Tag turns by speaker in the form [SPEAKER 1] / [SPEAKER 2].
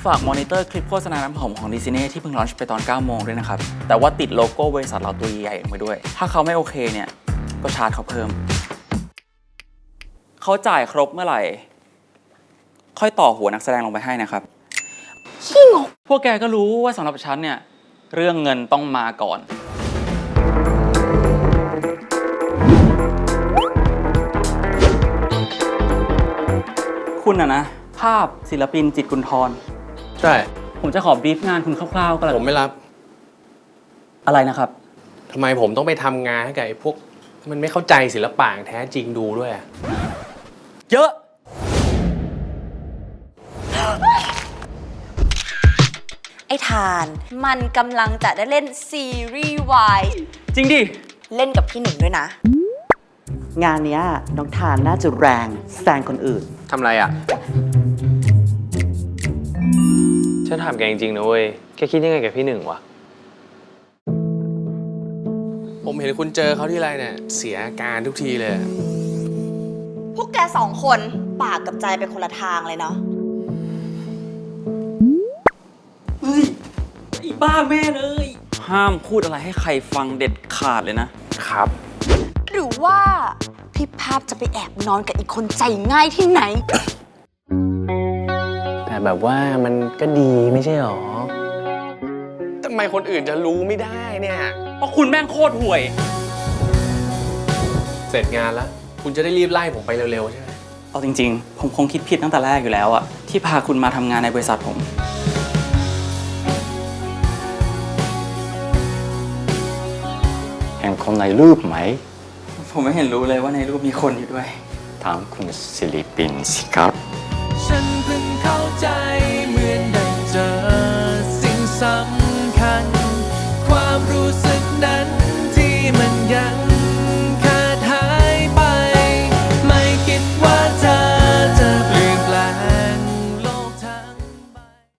[SPEAKER 1] ากมอนิเตอร์คลิปโฆษณาน้ำหอมของดิสนีย์ที่เพิ่งลอนช์ไปตอน 9 โมงด้วยนะครับ แต่ว่าติดโลโก้บริษัทเราตัวใหญ่ๆไปด้วย ถ้าเขาไม่โอเคเนี่ย ก็ชาร์จเขาเพิ่ม เขาจ่ายครบเมื่อไหร่ ค่อยต่อหัวนักแสดงลงไปให้นะครับขี้งกพวกแกก็รู้ว่าสำหรับฉันเนี่ย เรื่องเงินต้องมาก่อน คุณนะภาพศิลปินจิตรกุลธร
[SPEAKER 2] ใช่
[SPEAKER 1] ผมจะขอบรีฟงานคุณคร่าวๆก็แล้ว
[SPEAKER 2] ผมไม่รับ
[SPEAKER 1] อะไรนะครับ
[SPEAKER 2] ทำไมผมต้องไปทำงานให้กับไอ้พวกมันไม่เข้าใจศิลปะอย่างแท้จริงดูด้วยอะ
[SPEAKER 1] เยอะ
[SPEAKER 3] ไอ้ทานมันกำลังจะได้เล่นซีรีส์วาย
[SPEAKER 1] จริงดิ
[SPEAKER 3] เล่นกับพี่หนึ่งด้วยนะ
[SPEAKER 4] งานเนี้ยน้องทานน่าจะแรงแซงคนอื่น
[SPEAKER 2] ทำไรอ่ะ ฉันถามแกจริงๆนะเว้ย แกคิดยังไงกับพี่หนึ่งวะ ผมเห็นคุณเจอเขาที่ไรเนี่ย เสียอาการทุกทีเลย
[SPEAKER 3] พวกแกสองคนปากกับใจไปคนละทางเลยเนาะ
[SPEAKER 1] เฮ้ยไอ้บ้าแม่เลย ห้ามพูดอะไรให้ใครฟังเด็ดขาดเลยนะ
[SPEAKER 2] ครับ
[SPEAKER 3] หรือว่าพี่ภาพจะไปแอบนอนกับอีกคนใจง่ายที่ไหน
[SPEAKER 2] แต่แบบว่ามันก็ดีไม่ใช่หรอ ทำไมคนอื่นจะรู้ไม่ได้เนี่ย
[SPEAKER 1] เพราะคุณแม่งโคตรห่วย
[SPEAKER 2] เสร็จงานแล้ว คุณจะได้รีบไล่ผมไปเร็วๆใช่ไหม
[SPEAKER 1] เอาจริงๆ ผมคงคิดผิดตั้งแต่แรกอยู่แล้วอะที่พาคุณมาทำงานในบริษัทผม
[SPEAKER 5] เห็นคนในรูปไหม
[SPEAKER 1] ผมไม่เห็นรู้เลยว่าในรูปมีคนอยู่ด้วย
[SPEAKER 5] ถามคุณศิลิปินสิครับ